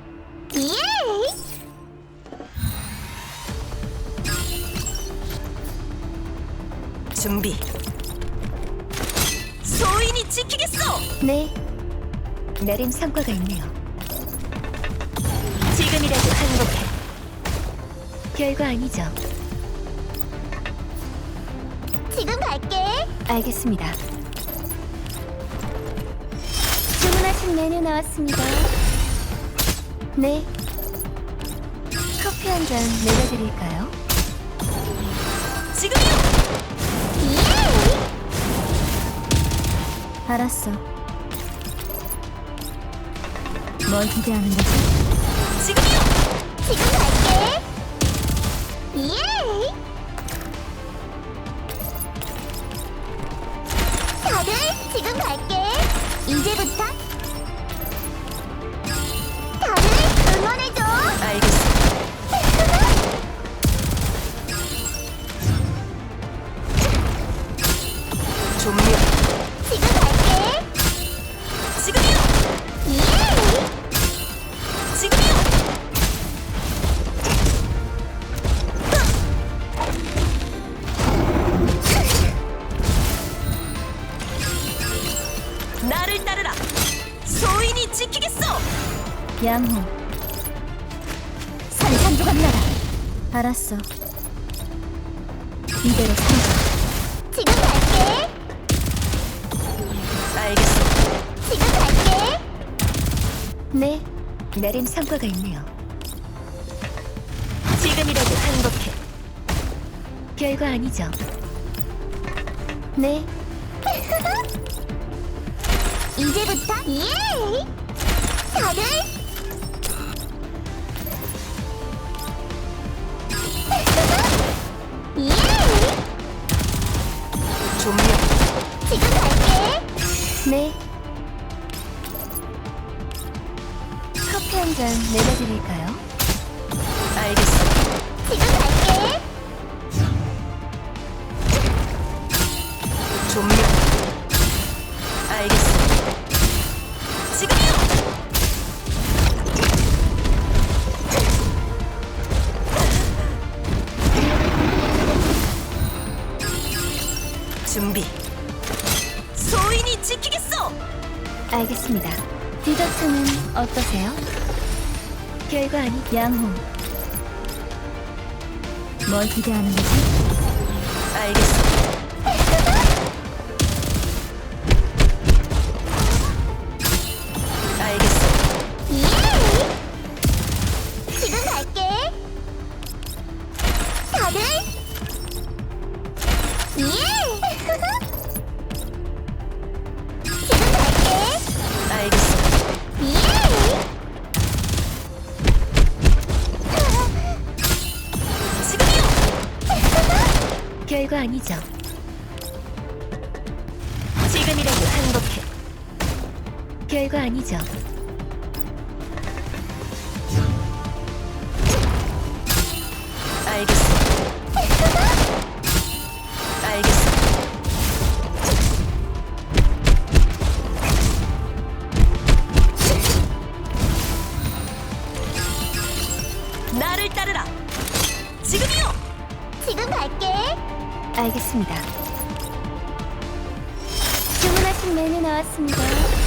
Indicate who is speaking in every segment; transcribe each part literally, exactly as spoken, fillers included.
Speaker 1: 예!
Speaker 2: 준비. 소인이 지키겠어.
Speaker 3: 네, 내림 성과가 있네요. 지금이라도 행복해. 별거 아니죠.
Speaker 1: 지금 갈게.
Speaker 3: 알겠습니다. 주문하신 메뉴 나왔습니다. 네. 커피 한 잔 내려드릴까요?
Speaker 2: 지금이요.
Speaker 1: 예!
Speaker 3: 알았어. 뭘 기대하는 거지?
Speaker 2: 지금이요.
Speaker 1: 지금 갈게. 예! 다들 지금 갈게. 이제부터 다들 응원해줘.
Speaker 2: 알겠어. 조명.
Speaker 1: 지금 갈게.
Speaker 2: 지금이요.
Speaker 1: 예!
Speaker 2: 지금이요. 나를 따르라. 소인이 지키겠어.
Speaker 3: 양호. 산산조각 나라. 알았어. 이대로 산다.
Speaker 1: 지금 갈게.
Speaker 2: 알겠어.
Speaker 1: 지금 갈게.
Speaker 3: 네, 내림 성과가 있네요.
Speaker 2: 지금이라도 행복해.
Speaker 3: 별거 아니죠. 네,
Speaker 1: 이제부터 예! 다들 예!
Speaker 2: 조명.
Speaker 1: 지금 갈게.
Speaker 3: 네. 커피 한 잔 내려드릴까요?
Speaker 2: 알겠어.
Speaker 1: 지금 갈게.
Speaker 2: 조명. 알겠어. 지금이요. 준비. 소인이 지키겠어.
Speaker 3: 알겠습니다. 디저트는 어떠세요? 별거 아니. 양호. 뭘 기대하는 거지?
Speaker 2: 알겠어. 알겠어.
Speaker 1: 예! 지금 갈게. 다들 예! 지금 갈게.
Speaker 2: 알겠어.
Speaker 1: 예!
Speaker 2: 지금이요.
Speaker 3: 별거 아니죠.
Speaker 2: 지금이라도 행복해.
Speaker 3: 별거 아니죠.
Speaker 2: 알겠어. 알겠어. 나를 따르라. 지금이요.
Speaker 1: 지금 갈게.
Speaker 3: 알겠습니다. 주문하신 메뉴 나왔습니다.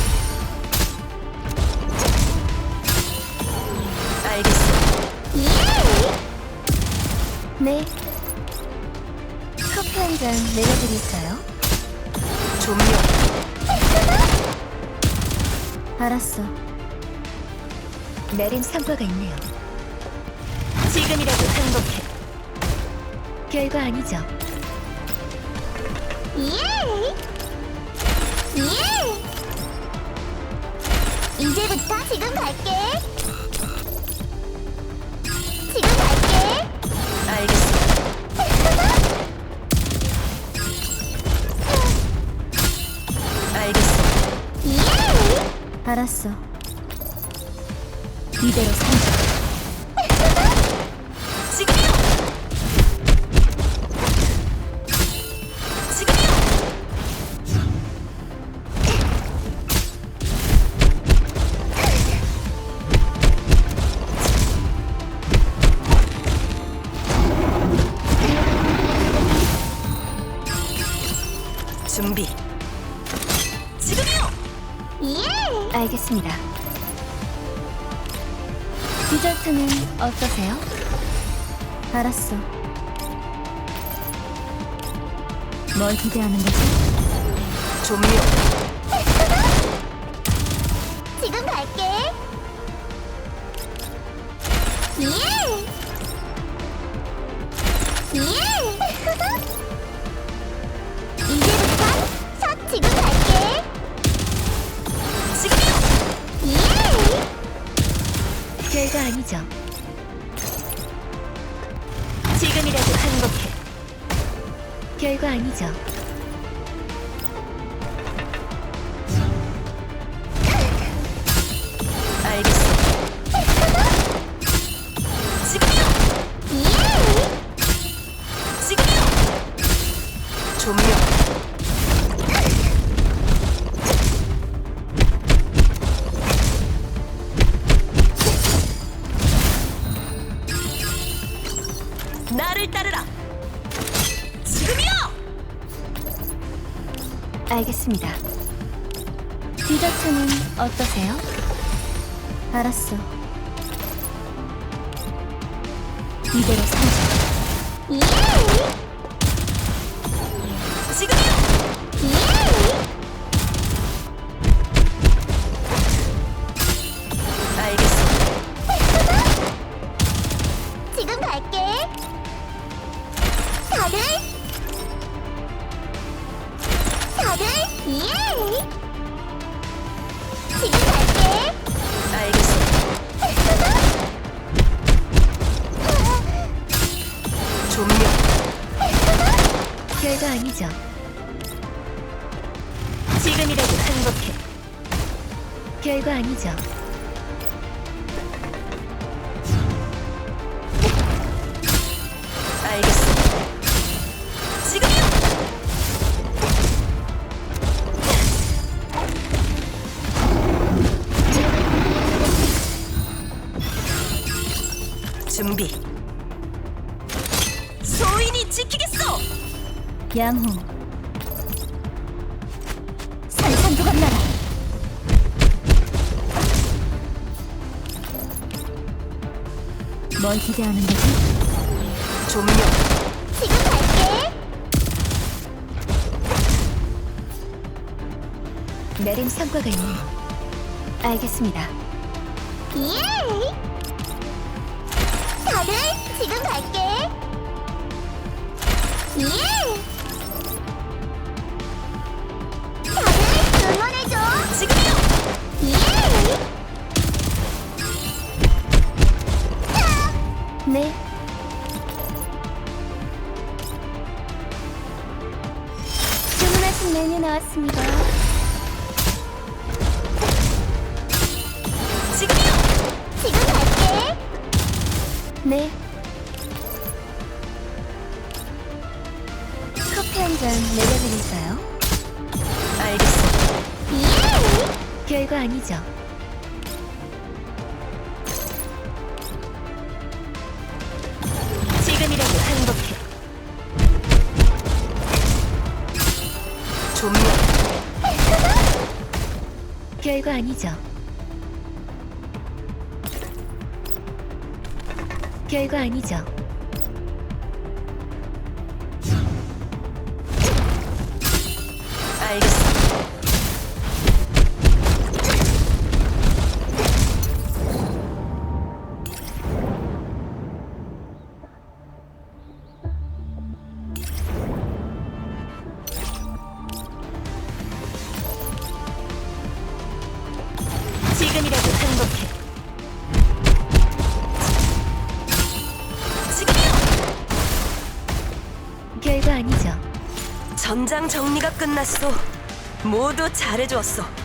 Speaker 2: 알겠어.
Speaker 1: 예!
Speaker 3: 네. 커피 한 잔 내려드릴까요?
Speaker 2: 조명.
Speaker 3: 알았어. 내림 성과가 있네요.
Speaker 2: 지금이라도 행복해.
Speaker 3: 별거 아니죠.
Speaker 1: 예! 예! 이제부터 지금 갈게. 지금 갈게.
Speaker 2: 알겠어. 알겠어.
Speaker 1: 예!
Speaker 3: 알았어. 이대로 산다.
Speaker 2: 지금이요. 지금이요.
Speaker 3: 알겠습니다. 디저트는 어떠세요? 알았어. 뭘 기대하는 거지?
Speaker 2: 조명.
Speaker 1: 지금 갈게. 예! 예! 이제부터 샷 지금 갈게.
Speaker 2: 지금이요.
Speaker 1: 예!
Speaker 3: 별거 아니죠.
Speaker 2: 지금이라도 행복해.
Speaker 3: 별거 아니죠.
Speaker 2: 알겠어. 지금이요.
Speaker 1: 예!
Speaker 2: 지금이요. 조명. 나를 따르라. 지금이요.
Speaker 3: 알겠습니다. 디저트는 어떠세요? 알았어. 이대로 살자.
Speaker 1: 예!
Speaker 2: 지금이요.
Speaker 1: 예!
Speaker 2: 알겠어.
Speaker 1: 지금 갈게. 다들 다들 예! 지금 갈게.
Speaker 2: 알겠어. 조명.
Speaker 3: 별거 아니죠.
Speaker 2: 지금이라도 행복해.
Speaker 3: 별거 아니죠.
Speaker 2: 알겠어. 지금이요. 준비. 소인이 지키겠어.
Speaker 3: 양호. 산산조각 나라. 뭘 기대하는 거지?
Speaker 2: 조명.
Speaker 1: 지금 갈게.
Speaker 3: 내림 성과가 있네요. 알겠습니다.
Speaker 1: 예! 다들 지금 갈게. 예! 다들 응원해줘.
Speaker 2: 지금이요.
Speaker 1: 예!
Speaker 3: 네. 주문하신 메뉴 나왔습니다.
Speaker 2: 지금이요.
Speaker 1: 지금 갈게.
Speaker 3: 네. 커피 한 잔 내려드릴까요?
Speaker 2: 알겠어.
Speaker 1: 예!
Speaker 3: 별거 아니죠.
Speaker 2: 지금이라도 행복해. 조명.
Speaker 3: 별거 아니죠. 별거 아니죠.
Speaker 2: 알겠어. 지금이라도 행복해. 지금이요.
Speaker 3: 별거 아니죠.
Speaker 2: 전장 정리가 끝났어. 모두 잘해주었어.